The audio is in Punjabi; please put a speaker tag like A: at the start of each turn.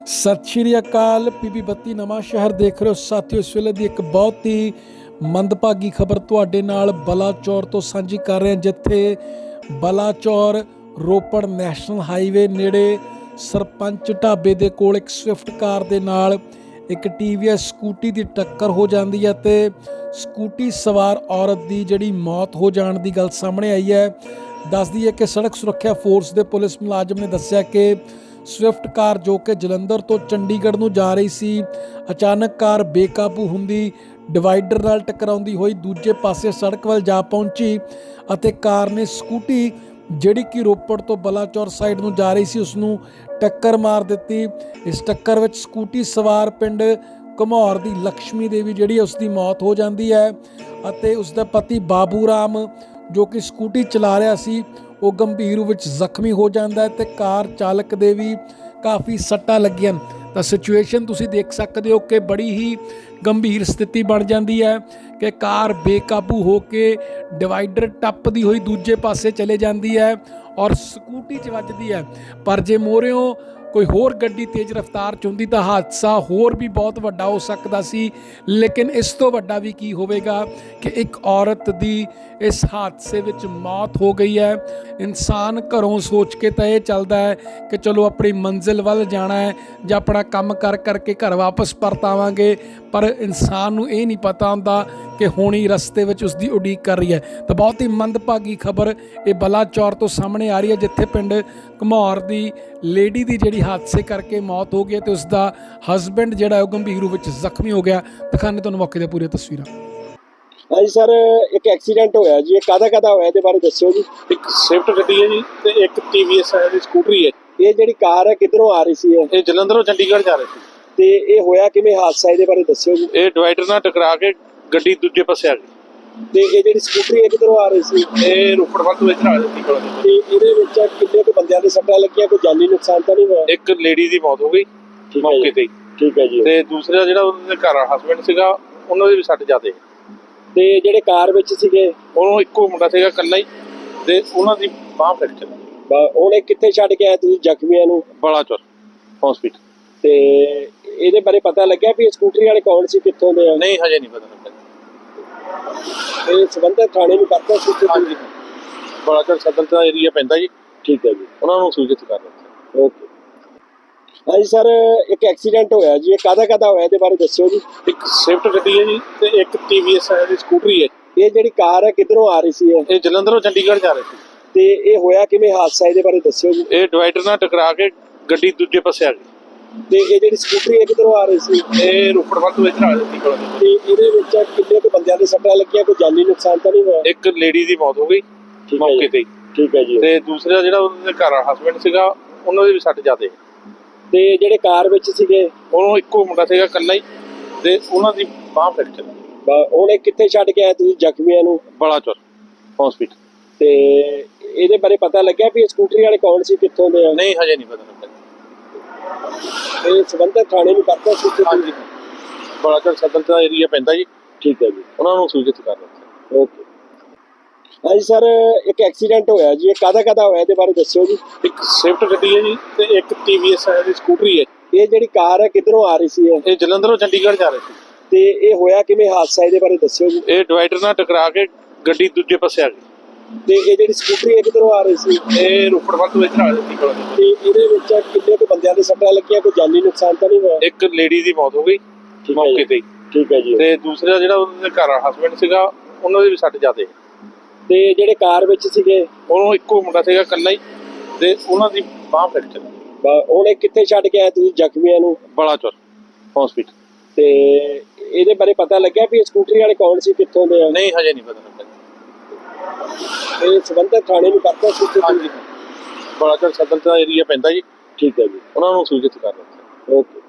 A: ਸਤਿ ਸ਼੍ਰੀ ਅਕਾਲ। ਪੀਪੀ 32 ਨਵਾਂ ਸ਼ਹਿਰ ਦੇਖ ਰਹੇ ਹੋ ਸਾਥੀਓ। ਇਸ ਵੇਲੇ ਦੀ ਇੱਕ ਬਹੁਤ ਹੀ ਮੰਦਭਾਗੀ ਖਬਰ ਤੁਹਾਡੇ ਨਾਲ ਬਲਾਚੌਰ ਤੋਂ ਸਾਂਝੀ ਕਰ ਰਹੇ ਹਾਂ, ਜਿੱਥੇ ਬਲਾਚੌਰ ਰੋਪੜ ਨੈਸ਼ਨਲ ਹਾਈਵੇ ਨੇੜੇ ਸਰਪੰਚ ਢਾਬੇ ਦੇ ਕੋਲ ਇੱਕ ਸਵਿਫਟ ਕਾਰ ਦੇ ਨਾਲ ਇੱਕ TVS ਸਕੂਟੀ ਦੀ ਟੱਕਰ ਹੋ ਜਾਂਦੀ ਹੈ ਤੇ ਸਕੂਟੀ ਸਵਾਰ ਔਰਤ ਦੀ ਜਿਹੜੀ ਮੌਤ ਹੋ ਜਾਣ ਦੀ ਗੱਲ ਸਾਹਮਣੇ ਆਈ ਹੈ। ਦੱਸਦੀ ਹੈ ਕਿ ਸੜਕ ਸੁਰੱਖਿਆ ਫੋਰਸ ਦੇ ਪੁਲਿਸ ਮੁਲਾਜ਼ਮ ਨੇ ਦੱਸਿਆ ਕਿ ਸਵਿਫਟ ਕਾਰ ਜੋ ਕਿ ਜਲੰਧਰ ਤੋਂ ਚੰਡੀਗੜ੍ਹ ਨੂੰ ਜਾ ਰਹੀ ਸੀ, ਅਚਾਨਕ ਕਾਰ ਬੇਕਾਬੂ ਹੁੰਦੀ ਡਿਵਾਈਡਰ ਨਾਲ ਟਕਰਾਉਂਦੀ ਹੋਈ ਦੂਜੇ ਪਾਸੇ ਸੜਕ ਵੱਲ ਜਾ ਪਹੁੰਚੀ ਅਤੇ ਕਾਰ ਨੇ ਸਕੂਟੀ ਜਿਹੜੀ ਕਿ ਰੋਪੜ ਤੋਂ ਬਲਾਚੌਰ ਸਾਈਡ ਨੂੰ ਜਾ ਰਹੀ ਸੀ ਉਸ ਨੂੰ ਟੱਕਰ ਮਾਰ ਦਿੱਤੀ। ਇਸ ਟੱਕਰ ਵਿੱਚ ਸਕੂਟੀ ਸਵਾਰ ਪਿੰਡ ਘਮੌਰ ਦੀ ਲక్ష్ਮੀ ਦੇਵੀ ਜਿਹੜੀ ਉਸ ਦੀ ਮੌਤ ਹੋ ਜਾਂਦੀ ਹੈ ਅਤੇ ਉਸ ਦਾ ਪਤੀ ਬਾਬੂ ਰਾਮ ਜੋ ਕਿ ਸਕੂਟੀ ਚਲਾ ਰਿਹਾ ਸੀ ਉਹ ਗੰਭੀਰ ਰੂਪ ਵਿੱਚ ਜ਼ਖਮੀ ਹੋ ਜਾਂਦਾ ਹੈ ਤੇ ਕਾਰ ਚਾਲਕ ਦੇ ਵੀ ਕਾਫੀ ਸੱਟਾਂ ਲੱਗੀਆਂ। ਤਾਂ ਸਿਚੁਏਸ਼ਨ ਤੁਸੀਂ ਦੇਖ ਸਕਦੇ ਹੋ ਕਿ ਬੜੀ ਹੀ ਗੰਭੀਰ ਸਥਿਤੀ ਬਣ ਜਾਂਦੀ ਹੈ ਕਿ ਕਾਰ ਬੇਕਾਬੂ ਹੋ ਕੇ ਡਿਵਾਈਡਰ ਟੱਪਦੀ ਹੋਈ ਦੂਜੇ ਪਾਸੇ ਚਲੇ ਜਾਂਦੀ ਹੈ ਔਰ ਸਕੂਟੀ 'ਚ ਵੱਜਦੀ ਹੈ। ਪਰ ਜੇ ਮੋਰਿਓਂ ਕੋਈ ਹੋਰ ਗੱਡੀ ਤੇਜ਼ ਰਫ਼ਤਾਰ 'ਚ ਹੁੰਦੀ ਤਾਂ ਹਾਦਸਾ ਹੋਰ ਵੀ ਬਹੁਤ ਵੱਡਾ ਹੋ ਸਕਦਾ ਸੀ। ਲੇਕਿਨ ਇਸ ਤੋਂ ਵੱਡਾ ਵੀ ਕੀ ਹੋਵੇਗਾ ਕਿ ਇੱਕ ਔਰਤ ਦੀ ਇਸ ਹਾਦਸੇ ਵਿੱਚ ਮੌਤ ਹੋ ਗਈ ਹੈ। ਇਨਸਾਨ ਘਰੋਂ ਸੋਚ ਕੇ ਤਾਂ ਇਹ ਚੱਲਦਾ ਹੈ ਕਿ ਚਲੋ ਆਪਣੀ ਮੰਜ਼ਿਲ ਵੱਲ ਜਾਣਾ ਹੈ ਜਾਂ ਆਪਣਾ ਕੰਮ ਕਰਕੇ ਘਰ ਵਾਪਸ ਪਰਤ ਆਵਾਂਗੇ, ਪਰ ਇਨਸਾਨ ਨੂੰ ਇਹ ਨਹੀਂ ਪਤਾ ਹੁੰਦਾ ਕਿ ਹੋਣੀ ਰਸਤੇ ਵਿੱਚ ਉਸ ਦੀ ਉਡੀਕ ਕਰ ਰਹੀ ਹੈ। ਤਾਂ ਬਹੁਤ ਹੀ ਮੰਦਭਾਗੀ ਖਬਰ ਇਹ ਬਲਾਚੌਰ ਤੋਂ ਸਾਹਮਣੇ ਆ ਰਹੀ ਹੈ, ਜਿੱਥੇ ਪਿੰਡ ਘਮੌਰ ਦੀ ਲੇਡੀ ਦੀ ਜਿਹੜੀ ਹਾਦਸੇ ਕਰਕੇ ਮੌਤ ਹੋ ਗਈ ਤੇ ਉਸ ਦਾ ਹਸਬੈਂਡ ਜਿਹੜਾ ਉਹ ਗੰਭੀਰ ਰੂਪ ਵਿੱਚ ਜ਼ਖਮੀ ਹੋ ਗਿਆ। ਦਿਖਾਣੇ ਤੁਹਾਨੂੰ ਮੌਕੇ ਦੀਆਂ ਪੂਰੀਆਂ ਤਸਵੀਰਾਂ।
B: ਹਾਂਜੀ ਸਰ, ਇੱਕ ਐਕਸੀਡੈਂਟ ਹੋਇਆ ਜੀ, ਇਹ ਕਾਹਦਾ ਹੋਇਆ ਇਹਦੇ ਬਾਰੇ ਦੱਸਿਓ ਜੀ।
C: ਇੱਕ ਸਵਿਫਟ ਗੱਡੀ ਹੈ ਜੀ ਤੇ ਇੱਕ TVS ਦੀ ਸਕੂਟਰੀ ਹੈ।
B: ਇਹ ਜਿਹੜੀ ਕਾਰ ਹੈ ਕਿੱਧਰੋਂ ਆ ਰਹੀ ਸੀ
C: ਇਹ ਜਲੰਧਰੋਂ ਚੰਡੀਗੜ੍ਹ ਜਾ ਰਹੀ ਸੀ
B: ਤੇ ਇਹ ਹੋਇਆ ਕਿਵੇਂ ਹਾਦਸਾ, ਇਹਦੇ ਬਾਰੇ ਦੱਸਿਓ ਜੀ।
C: ਇਹ ਡਿਵਾਈਡਰ ਨਾਲ ਟਕਰਾ ਕੇ ਗੱਡੀ ਦੂਜੇ ਪਾਸੇ ਆ ਗਈ
B: ਤੇ ਇਹ ਜਿਹੜੀ ਸਕੂਟਰੀ ਹੈ ਕਿੱਧਰੋਂ ਆ ਰਹੀ ਸੀ?
C: ਇਹ ਰੋਪੜ ਵੱਲ ਤੋਂ ਇੱਧਰ ਆ ਰਹੀ ਸੀ।
B: ਤੇ ਇਹਦੇ ਵਿੱਚ ਕਿੰਨੇ ਕੁ ਬੰਦਿਆਂ ਦੇ ਸੱਟਾਂ ਲੱਗੀਆਂ, ਕੋਈ ਜਾਨੀ ਨੁਕਸਾਨ ਤਾਂ ਨਹੀਂ ਹੋਇਆ?
C: ਇੱਕ ਲੇਡੀ ਦੀ ਮੌਤ ਹੋ ਗਈ ਮੌਕੇ ਤੇ ਹੀ।
B: ਠੀਕ ਹੈ ਜੀ।
C: ਤੇ ਦੂਸਰਾ ਜਿਹੜਾ ਉਹਦੇ ਘਰ ਹਸਬੈਂਡ ਸੀਗਾ ਉਹਨਾਂ ਦੇ ਵੀ ਸੱਟ ਜ਼ਿਆਦੇ।
B: ਤੇ ਜਿਹੜੇ ਕਾਰ ਵਿੱਚ ਸੀਗੇ
C: ਉਹਨੂੰ ਇੱਕੋ ਮੁੰਡਾ ਸੀਗਾ ਇਕੱਲਾ ਹੀ ਤੇ ਉਹਨਾਂ ਦੀ ਬਾਂਹ ਫ੍ਰੈਕਚਰ।
B: ਹੁਣ ਇਹ ਕਿੱਥੇ ਛੱਡ ਕੇ ਆਏ ਤੁਸੀਂ ਜ਼ਖਮੀਆਂ ਨੂੰ?
C: ਬਲਾਚੌਰ ਹਸਪੀਟਲ।
B: ਤੇ ਇਹਦੇ ਬਾਰੇ ਪਤਾ ਲੱਗਿਆ ਵੀ ਸਕੂਟਰੀ ਵਾਲੇ ਕੌਣ ਸੀ, ਕਿੱਥੋਂ ਦੇ ਆ?
C: ਨਹੀਂ ਹਜੇ ਨਹੀਂ ਪਤਾ ਲੱਗਾ।
B: ਇਹ ਸੰਬੰਧਿਤ ਥਾਣੇ ਨੂੰ ਕਰਤਾ ਸੀ?
C: ਹਾਂਜੀ, ਬਲਾਚੌਰ ਸਦਰ ਦਾ ਏਰੀਆ ਪੈਂਦਾ ਜੀ।
B: ਠੀਕ ਹੈ ਜੀ,
C: ਉਹਨਾਂ ਨੂੰ ਸੂਚਿਤ ਕਰ ਦਿੱਤਾ।
B: ਓਕੇ। ਹਾਂਜੀ ਸਰ, ਇੱਕ ਐਕਸੀਡੈਂਟ ਹੋਇਆ ਜੀ, ਇਹ ਕਾਹਦਾ ਹੋਇਆ ਇਹਦੇ ਬਾਰੇ ਦੱਸਿਓ ਜੀ।
C: ਇੱਕ ਸਵਿਫਟ ਗੱਡੀ ਹੈ ਜੀ ਤੇ ਇੱਕ TVS ਦੀ ਸਕੂਟਰੀ ਹੈ।
B: ਇਹ ਜਿਹੜੀ ਕਾਰ ਹੈ ਕਿੱਧਰੋਂ ਆ ਰਹੀ ਸੀ
C: ਇਹ ਜਲੰਧਰੋਂ ਚੰਡੀਗੜ੍ਹ ਜਾ ਰਹੀ ਸੀ।
B: ਤੇ ਇਹ ਹੋਇਆ ਕਿਵੇਂ ਹਾਦਸਾ, ਇਹਦੇ ਬਾਰੇ ਦੱਸਿਓ ਜੀ।
C: ਇਹ ਡਿਵਾਈਡਰ ਨਾਲ ਟਕਰਾ ਕੇ ਗੱਡੀ ਦੂਜੇ ਪਾਸੇ ਆ ਗਈ
B: ਤੇ ਇਹ ਜਿਹੜੀ ਸਕੂਟਰੀ ਹੈ ਕਿੱਧਰੋਂ ਆ ਰਹੀ ਸੀ?
C: ਇਹ ਰੋਪੜ ਵੱਲ ਤੋਂ ਇੱਧਰ ਆ ਰਹੀ ਸੀ।
B: ਤੇ ਇਹਦੇ ਵਿੱਚ ਕਿੰਨੇ ਕੁ ਬੰਦਿਆਂ ਦੇ ਸੱਟਾਂ ਲੱਗੀਆਂ, ਕੋਈ ਜਾਨੀ ਨੁਕਸਾਨ ਤਾਂ ਨਹੀਂ ਹੋਇਆ?
C: ਇੱਕ ਲੇਡੀ ਦੀ ਮੌਤ ਹੋ ਗਈ ਮੌਕੇ ਤੇ ਹੀ।
B: ਠੀਕ ਹੈ ਜੀ।
C: ਤੇ ਦੂਸਰਾ ਜਿਹੜਾ ਉਹਦੇ ਘਰ ਹਸਬੈਂਡ ਸੀਗਾ ਉਹਨਾਂ ਦੇ ਵੀ ਸੱਟ ਜ਼ਿਆਦੇ।
B: ਤੇ ਜਿਹੜੇ ਕਾਰ ਵਿੱਚ ਸੀਗੇ
C: ਉਹਨੂੰ ਇੱਕੋ ਮੁੰਡਾ ਸੀਗਾ ਇਕੱਲਾ ਹੀ ਤੇ ਉਹਨਾਂ ਦੀ ਬਾਂਹ ਫ੍ਰੈਕਚਰ।
B: ਹੁਣ ਇਹ ਕਿੱਥੇ ਛੱਡ ਕੇ ਆਏ ਤੁਸੀਂ ਜ਼ਖਮੀਆਂ ਨੂੰ?
C: ਬਲਾਚੌਰ ਹਸਪੀਟਲ।
B: ਤੇ ਇਹਦੇ ਬਾਰੇ ਪਤਾ ਲੱਗਿਆ ਵੀ ਸਕੂਟਰੀ ਵਾਲੇ ਕੌਣ ਸੀ, ਕਿੱਥੋਂ ਦੇ ਆ?
C: ਨਹੀਂ ਹਜੇ ਨਹੀਂ ਪਤਾ ਲੱਗਾ।
B: ਇਹ ਸੰਬੰਧਿਤ ਥਾਣੇ ਨੂੰ ਕਰਤਾ ਸੀ?
C: ਹਾਂਜੀ, ਬਲਾਚੌਰ ਸਦਰ ਦਾ ਏਰੀਆ ਪੈਂਦਾ ਜੀ।
B: ਠੀਕ ਹੈ ਜੀ,
C: ਉਹਨਾਂ ਨੂੰ ਸੂਚਿਤ ਕਰ ਦਿੱਤਾ।
B: ਓਕੇ। ਹਾਂਜੀ ਸਰ, ਇੱਕ ਐਕਸੀਡੈਂਟ ਹੋਇਆ ਜੀ, ਇਹ ਕਾਹਦਾ ਹੋਇਆ ਇਹਦੇ ਬਾਰੇ ਦੱਸਿਓ ਜੀ।
C: ਇੱਕ ਸਵਿਫਟ ਗੱਡੀ ਹੈ ਜੀ ਤੇ ਇੱਕ TVS ਦੀ ਸਕੂਟਰੀ ਹੈ।
B: ਇਹ ਜਿਹੜੀ ਕਾਰ ਹੈ ਕਿੱਧਰੋਂ ਆ ਰਹੀ ਸੀ?
C: ਇਹ ਜਲੰਧਰੋਂ ਚੰਡੀਗੜ੍ਹ ਜਾ ਰਹੀ ਸੀ।
B: ਤੇ ਇਹ ਹੋਇਆ ਕਿਵੇਂ ਹਾਦਸਾ, ਇਹਦੇ ਬਾਰੇ ਦੱਸਿਓ ਜੀ।
C: ਇਹ ਡਿਵਾਈਡਰ ਨਾਲ ਟਕਰਾ ਕੇ ਗੱਡੀ ਦੂਜੇ ਪਾਸੇ ਆ ਗਈ
B: ਤੇ ਇਹ ਜਿਹੜੀ ਸਕੂਟਰੀ ਹੈ ਕਿੱਧਰੋਂ ਆ ਰਹੀ ਸੀ?
C: ਇਹ ਰੋਪੜ ਵੱਲ ਤੋਂ ਇੱਧਰ ਆ ਰਹੀ ਸੀ।
B: ਤੇ ਇਹਦੇ ਵਿੱਚ ਕਿੰਨੇ ਕੁ ਬੰਦਿਆਂ ਦੇ ਸੱਟਾਂ ਲੱਗੀਆਂ, ਕੋਈ ਜਾਨੀ ਨੁਕਸਾਨ ਤਾਂ ਨਹੀਂ ਹੋਇਆ?
C: ਇੱਕ ਲੇਡੀ ਦੀ ਮੌਤ ਹੋ ਗਈ ਮੌਕੇ ਤੇ ਹੀ।
B: ਠੀਕ ਹੈ ਜੀ।
C: ਤੇ ਦੂਸਰਾ ਜਿਹੜਾ ਉਹਦੇ ਘਰ ਹਸਬੈਂਡ ਸੀਗਾ ਉਹਨਾਂ ਦੇ ਵੀ ਸੱਟ ਜ਼ਿਆਦੇ।
B: ਤੇ ਜਿਹੜੇ ਕਾਰ ਵਿੱਚ ਸੀਗੇ
C: ਉਹਨੂੰ ਇੱਕੋ ਮੁੰਡਾ ਸੀਗਾ ਇਕੱਲਾ ਹੀ ਤੇ ਉਹਨਾਂ ਦੀ ਬਾਂਹ ਫ੍ਰੈਕਚਰ।
B: ਹੁਣ ਇਹ ਕਿੱਥੇ ਛੱਡ ਕੇ ਆਏ ਤੁਸੀਂ ਜ਼ਖਮੀਆਂ ਨੂੰ?
C: ਬਲਾਚੌਰ ਹਸਪੀਟਲ।
B: ਤੇ ਇਹਦੇ ਬਾਰੇ ਪਤਾ ਲੱਗਿਆ ਵੀ ਸਕੂਟਰੀ ਵਾਲੇ ਕੌਣ ਸੀ, ਕਿੱਥੋਂ ਦੇ ਆ?
C: ਨਹੀਂ ਹਜੇ ਨਹੀਂ ਪਤਾ ਲੱਗਾ।
B: ਇਹ ਸੰਬੰਧਿਤ ਥਾਣੇ ਨੂੰ ਕਰਤਾ ਸੀ?
C: ਹਾਂਜੀ, ਬਲਾਚੌਰ ਸਦਰ ਦਾ ਏਰੀਆ ਪੈਂਦਾ ਜੀ।
B: ਠੀਕ ਹੈ ਜੀ,
C: ਉਹਨਾਂ ਨੂੰ ਸੂਚਿਤ ਕਰ ਦਿੱਤਾ।
B: ਓਕੇ।